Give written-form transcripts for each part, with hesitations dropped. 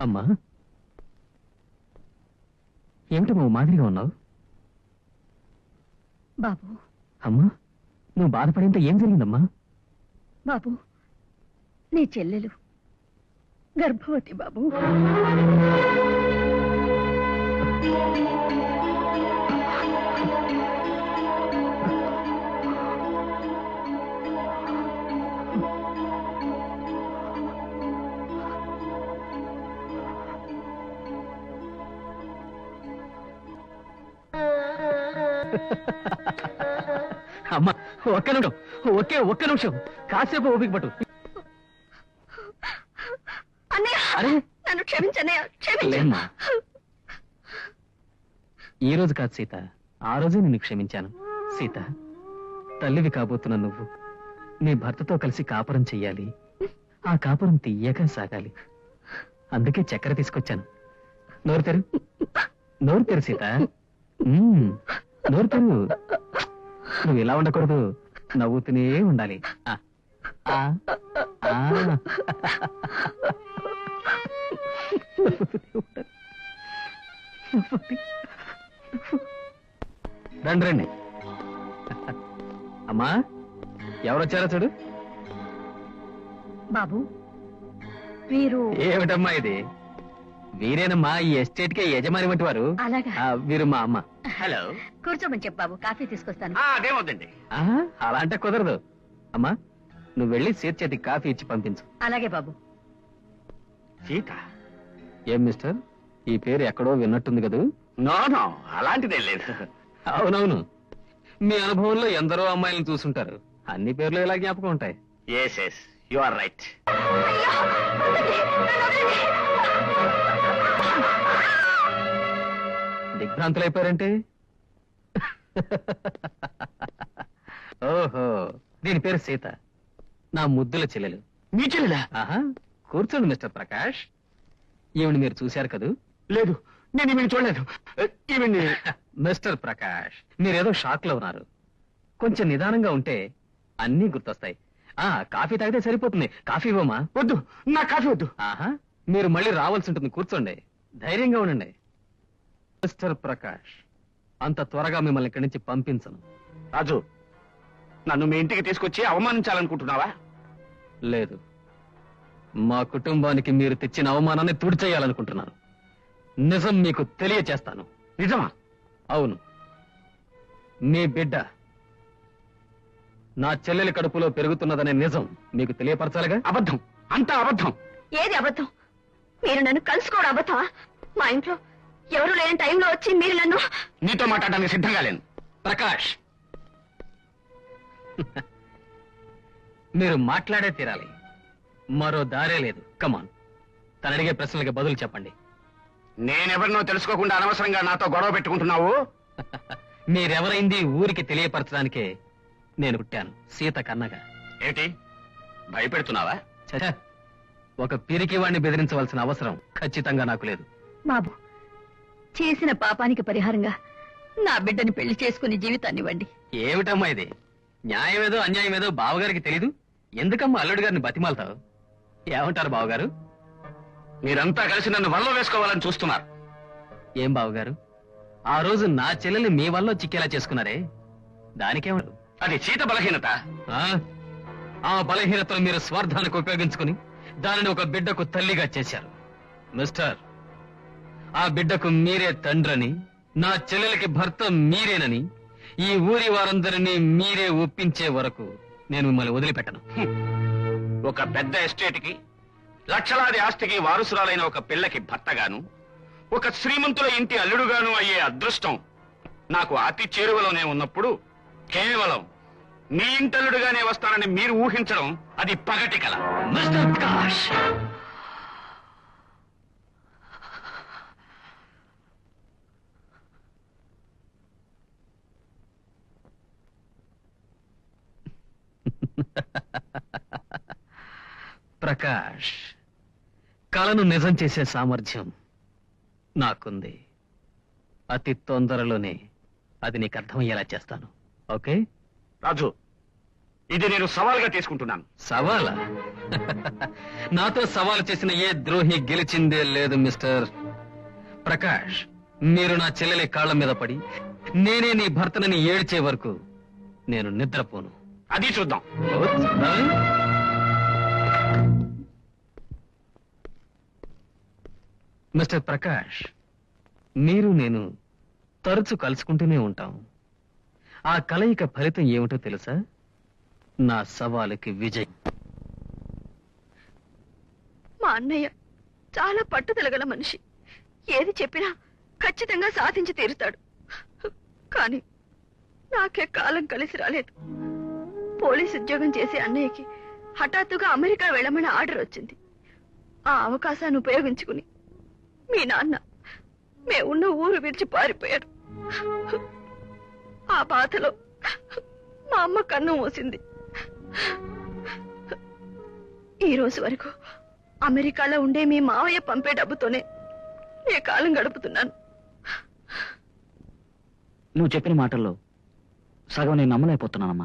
అమ్మా, ఏమిటి నువ్వు మాదిరిగా ఉన్నావు? బాబు. అమ్మా, నువ్వు బాధపడేంత ఏం జరిగిందమ్మా? బాబు, నీ చెల్లెలు గర్భవతి బాబు. అమ్మా, ఒక్క నిమిషం, ఒక్క నిమిషం, కాసేపు ఓపిక పట్టు. అరే, నన్ను క్షమించన్నయ్య, క్షమించు. లేమ్మా, ఈ రోజు కాదు సీత, ఆ రోజే నిన్ను క్షమించాను. సీత, తల్లివి కాబోతున్న నువ్వు నీ భర్తతో కలిసి కాపురం చెయ్యాలి. ఆ కాపురం తీయగా సాగాలి. అందుకే చక్కెర తీసుకొచ్చాను. నోరు తెరు, నోరు తెరు సీత. నోరు తెరు. నువ్వు ఇలా ఉండకూడదు, నవ్వుతూనే ఉండాలి. రండి రండి. అమ్మా, ఎవరొచ్చారో చూడు. బాబు, వీరు. ఏమిటమ్మా ఇది? వీరేనమ్మా ఈ ఎస్టేట్ కే యజమాని వంటి వారు. అలాగా? వీరు మా అమ్మ. హలో, కూర్చోమని చెప్పు బాబు, కాఫీ తీసుకొస్తాను. అదేమవుతుంది. అలా అంటే కుదరదు. అమ్మా, నువ్వు వెళ్ళి సీత చేతికి కాఫీ ఇచ్చి పంపించు. అలాగే బాబు. సీత? ఏం మిస్టర్, ఈ పేరు ఎక్కడో విన్నట్టుంది కదూ? నో నో, అలాంటిదే లేదు. అవునవును, మీ అనుభవంలో ఎందరో అమ్మాయిలను చూసుంటారు. అన్ని పేర్లు ఇలా జ్ఞాపకం ఉంటాయి. Yes yes, you are right. దిగ్భ్రాంతులైపోయారంటే? ఓహో, దీని పేరు సీత, నా ముద్దుల చెల్లెలు. మీ చెల్లెలా? ఆహా, కూర్చోండి మిస్టర్ ప్రకాష్. ఈవిని మీరు చూశారు కదూ? లేదు, నేను ఈమెను చూడలేదు. ఈమెని. మిస్టర్ ప్రకాష్, మీరేదో షాక్ లో ఉన్నారు. కొంచెం నిదానంగా ఉంటే అన్నీ గుర్తొస్తాయి. కాఫీ తాగితే సరిపోతుంది. కాఫీ ఇవ్వమా? వద్దు, నా కాఫీ వద్దు. ఆహా, మీరు మళ్ళీ రావాల్సి ఉంటుంది. కూర్చోండి, ధైర్యంగా ఉండండి. మిస్టర్ ప్రకాష్, అంత త్వరగా మిమ్మల్ని ఇక్కడి నుంచి పంపించను. రాజు, నన్ను మీ ఇంటికి తీసుకొచ్చి అవమానించాలనుకుంటున్నావా? లేదు, మా కుటుంబానికి మీరు తెచ్చిన అవమానాన్ని తుడిచేయాలనుకుంటున్నాను. నిజం మీకు తెలియచేస్తాను. నిజమా? అవును, మీ బిడ్డ నా చెల్లెలి కడుపులో పెరుగుతున్నదనే నిజం మీకు తెలియపరచాలిగా. అబద్ధం, అంతా అబద్ధం. ఏది అబద్ధం? మీరు నన్ను కలుసుకోవడం అబద్ధమా? మా ఇంట్లో ఎవరు లేని టైంలో వచ్చి మీరు నన్ను. నీతో మాట్లాడడానికి సిద్ధంగా లేను. ప్రకాష్, మీరు మాట్లాడే తీరాలి, మరో దారే లేదు. కమాన్, తను అడిగే ప్రశ్నలకి బదులు చెప్పండి. నేనెవరినో తెలుసుకోకుండా అనవసరంగా నాతో గొడవ పెట్టుకుంటున్నావు. మీరెవరైంది ఊరికి తెలియపరచడానికే నేను పుట్టాను, సీత కన్నగా. ఏంటి, భయపెడుతున్నావా? ఛ, ఒక పిరికి వాణ్ణి బెదిరించవలసిన అవసరం ఖచ్చితంగా నాకు లేదు. బాబు, చేసిన పాపానికి పరిహారంగా నా బిడ్డని పెళ్లి చేసుకుని జీవితాన్ని ఇవ్వండి. ఏమిటమ్మా ఇది? న్యాయమేదో అన్యాయమేదో బావగారికి తెలీదు. ఎందుకమ్మా అల్లుడి గారిని బతిమాలతావు? ఏమంటారు బావగారు? మీరంతా కలిసి నన్ను వల్ల వేసుకోవాలని చూస్తున్నారు. ఏం బావగారు, ఆ రోజు నా చెల్లెల్ని మీ వల్ల చిక్కేలా చేసుకున్నారే, దానికేమన్నారు? అది సీత బలహీనత. ఆ బలహీనతను మీరు స్వార్థానికి ఉపయోగించుకుని దానిని ఒక బిడ్డకు తల్లిగా చేశారు. మిస్టర్, ఆ బిడ్డకు మీరే తండ్రని, నా చెల్లెలకి భర్త మీరేనని ఈ ఊరి వారందరినీ మీరే ఒప్పించే వరకు నేను మిమ్మల్ని వదిలిపెట్టను. ఒక పెద్ద ఎస్టేట్ కి, లక్షలాది ఆస్తికి వారసురాలైన ఒక పిల్లకి భర్తగాను, ఒక శ్రీమంతుల ఇంటి అల్లుడుగాను అయ్యే అదృష్టం నాకు అతి చేరువలోనే ఉన్నప్పుడు కేవలం నీ ఇంటల్లుడుగానే వస్తానని మీరు ఊహించడం అది పగటి కల. మిస్టర్ ప్రకాష్, ప్రకాష్, కలను నిజం చేసే సామర్థ్యం నాకుంది. అతి తొందరలోనే అది నీకు అర్థమయ్యేలా చేస్తాను. ఓకే రాజు, ఇది నేను సవాల్గా తీసుకుంటున్నాను. సవాలా? నాతో సవాలు చేసిన ఏ ద్రోహి గెలిచిందే లేదు మిస్టర్ ప్రకాష్. మీరు నా చెల్లెలి కాళ్ల మీద పడి నేనే నీ భర్తనని ఏడ్చే వరకు నేను నిద్రపోను. అది చూద్దాం. మిస్టర్ ప్రకాష్, మీరు నేను తరచు కలుసుకుంటూనే ఉంటాం. ఆ కలయిక ఫలితం ఏమిటో తెలుసా? నా సవాలుకి విజయం. మా అన్నయ్య చాలా పట్టుదలగల మనిషి. ఏది చెప్పినా ఖచ్చితంగా సాధించి తీరుతాడు. కానీ నాకే కాలం కలిసి రాలేదు. పోలీస్ ఉద్యోగం చేసే అన్నయ్యకి హఠాత్తుగా అమెరికా వెళ్ళమని ఆర్డర్ వచ్చింది. ఆ అవకాశాన్ని ఉపయోగించుకుని మీ నాన్న మేమున్న ఊరు విడిచి పారిపోయాడు. ఆ బాధలో మా అమ్మ కన్ను మూసింది. ఈ రోజు వరకు అమెరికాలో ఉండే మీ మావయ్య పంపే డబ్బుతోనే నే కాలం గడుపుతున్నాను. నువ్వు చెప్పిన మాటల్లో సగం నేను నమ్మలేకపోతున్నానమ్మా.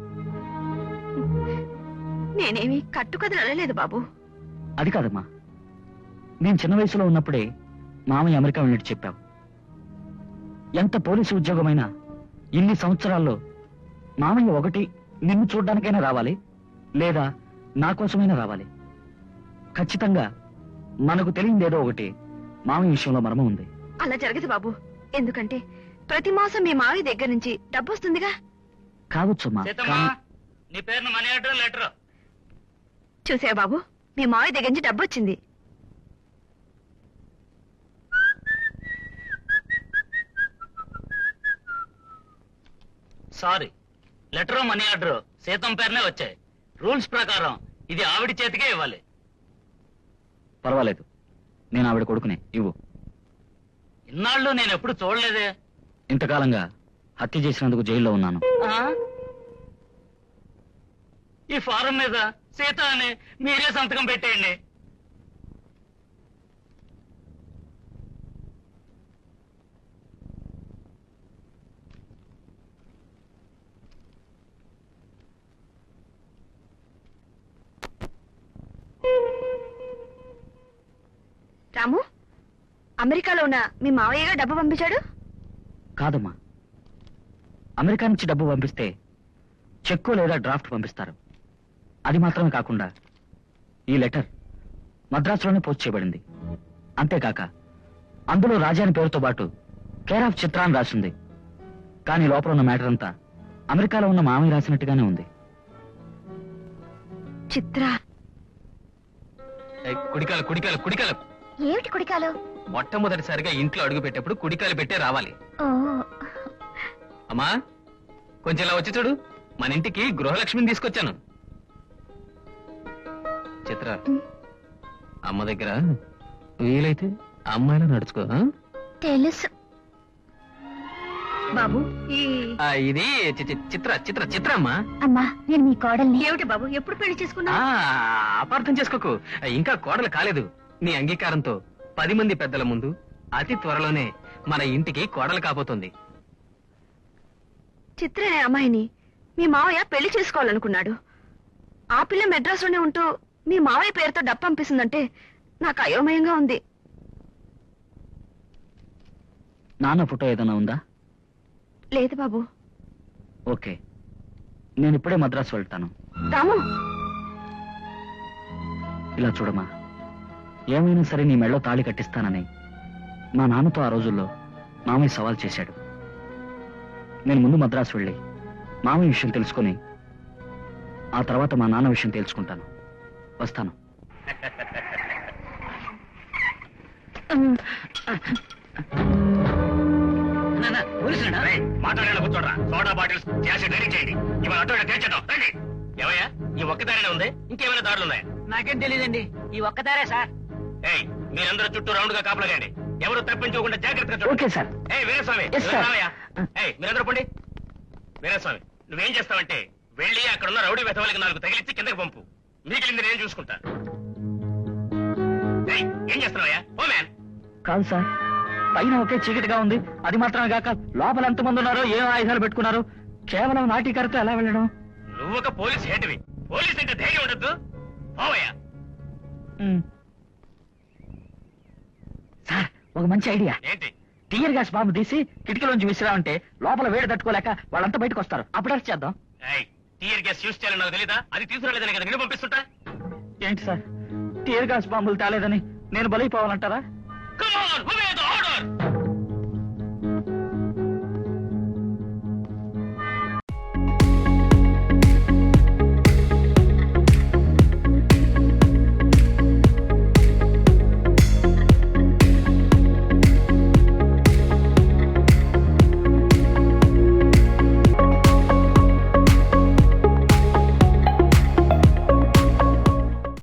నేనేమి కట్టుకథలు అనలేదు బాబు. అది కాదమ్మా, నేను చిన్న వయసులో ఉన్నప్పుడే మామయ్య అమెరికా వెళ్ళినట్టు చెప్పావు. ఎంత పోలీసు ఉద్యోగమైనా ఇన్ని సంవత్సరాల్లో మామయ్య ఒకటి నిన్ను చూడ్డానికైనా రావాలి, లేదా నా కోసమైనా రావాలి. ఖచ్చితంగా మనకు తెలియదేదో ఒకటి మామయ్య విషయంలో మర్మం ఉంది. అలా జరగదు బాబు. ఎందుకంటే ప్రతి మాసం మీ మావయ్య దగ్గర నుంచి డబ్బు వస్తుందిగా. కావచ్చమ్మా, కానీ నీ పేరున మనీ ఆర్డర్ లెటర్. చూసా బాబు, మీ మావయ్య దగ్గర నుంచి డబ్బు వచ్చింది. సారీ, లెటర్ మనీ ఆర్డర్ సీతం పేరునే వచ్చాయి. రూల్స్ ప్రకారం ఇది ఆవిడ చేతికే ఇవ్వాలి. పర్వాలేదు, నేను ఆవిడ కొడుకునే, ఇవ్వు. ఇన్నాళ్ళు నేను ఎప్పుడు చూడలేదే. ఇంతకాలంగా హత్య చేసినందుకు జైల్లో ఉన్నాను. ఈ ఫారం మీద సీత అని మీరే సంతకం పెట్టేయండి. రాము, అమెరికాలో ఉన్న మీ మావయ్యగా డబ్బు పంపించాడు? కాదమ్మా, అమెరికా నుంచి డబ్బు పంపిస్తే చెక్కు లేదా డ్రాఫ్ట్ పంపిస్తారు. అది మాత్రమే కాకుండా ఈ లెటర్ మద్రాసులోనే పోస్ట్ చేయబడింది. అంతేకాక అందులో రాజా అని పేరుతో పాటు కేర్ ఆఫ్ చిత్ర అని రాసింది. కానీ లోపల ఉన్న మ్యాటర్ అంతా అమెరికాలో ఉన్న మామయ్య రాసినట్టుగానే ఉంది. చిత్ర? కుడికాలు కుడికాలు కుడికాలు. ఏమిటి కుడికాలు? మొట్టమొదటిసారిగా ఇంట్లో అడుగు పెట్టేప్పుడు కుడికాలు పెట్టే రావాలి. అమ్మా, కొంచెం ఇలా వచ్చి చూడు. మన ఇంటికి గృహలక్ష్మిని తీసుకొచ్చాను. చిత్ర, అమ్మ దగ్గర వీలైతే అమ్మాయిలా నడుచుకో. తెలుసు బాబు. ఇది చిత్ర చిత్ర చిత్ర అమ్మా. అమ్మా, నేను మీ కోడల్ని. ఏమిటి బాబు, ఎప్పుడు పెళ్లి చేసుకున్నా? అపార్థం చేసుకోకు, ఇంకా కోడలు కాలేదు. నీ అంగీకారంతో 10 మంది పెద్దల ముందు అతి త్వరలోనే మన ఇంటికి కోడలు కాబోతుంది. చిత్ర అనే అమ్మాయిని మీ మావయ్య పెళ్లి చేసుకోవాలనుకున్నాడు. ఆ పిల్ల మెడ్రాస్లోనే ఉంటూ మీ మావయ్య పేరుతో డబ్బు పంపిస్తుందంటే నాకు అయోమయంగా ఉంది. నాన్న ఫోటో ఏదైనా ఉందా? లేదు బాబు. ఓకే, నేను ఇప్పుడే మద్రాసు వెళ్తాను. రాము, ఇలా చూడమ్మా, ఏమైనా సరే నీ మెళ్ళో తాళి కట్టిస్తానని మా నాన్నతో ఆ రోజుల్లో మామయ్య సవాల్ చేశాడు. నేను ముందు మద్రాసు వెళ్ళి మామయ్య విషయం తెలుసుకుని ఆ తర్వాత మా నాన్న విషయం తెలుసుకుంటాను. వస్తాను. మాట్లాడేలా కూర్చోడరా. సోడా బాటిల్స్ యాసిడ్ రెడీ చేయండి. ఇవాళ అటు తెచ్చేద్దాం. రండి. ఏమయ్యా, ఈ ఒక్కదారినే ఉంది? ఇంకేమైనా దారులు ఉన్నాయా? నాకేం తెలియదండి, ఈ ఒక్కదారే సార్. ఏయ్, మీరందరూ చుట్టూ రౌండ్ గా కాపలాగండి. ఎవరు తప్పించుకోకుండా జాగ్రత్తగా చూడండి. Okay sir. ఏయ్ వీరస్వామి, Yes, sir. రావయ్యా. ఏయ్, మీరందరూ పండి. వీరస్వామి, నువ్వేం చేస్తావంటే వెళ్ళి అక్కడున్న రౌడీ వెధవలకి 4 తగిలిచ్చి కిందకి పంపు. మిగిలింది నేను చూసుకుంటా. ఏయ్, ఏం చేస్తున్నావయ్యా? Oh man. కాదు సార్, పైన ఒకే చీకటిగా ఉంది. అది మాత్రమే కాక లోపల ఎంతమంది ఉన్నారో, ఏం ఆయుధాలు పెట్టుకున్నారో, కేవలం నాటికరతో ఎలా వెళ్ళడం? నువ్వు ఒక పోలీస్ హేటివి. పోలీస్ అంటే ధైర్యం ఉండద్దు. పోవయ్యా. సార్ ఒక మంచి ఐడియా. ఏంటి? టీయర్ గ్యాస్ బాంబు తీసి కిటికీలోంచి విసిరామంటే లోపల వేడి తట్టుకోలేక వాళ్ళంతా బయటకు వస్తారు. అప్పుడు అరెస్ట్ చేద్దాం. టీయర్ గ్యాస్ యూజ్ చేయాలని నాకు తెలీదా? అది తీసుకురాలేదని కదా నేను పంపిస్తుంటా. ఏంటి సార్ టీయర్ గ్యాస్ బాంబులు తేలేదని నేను బలైపోవాలంటారా? Come on, obey the order!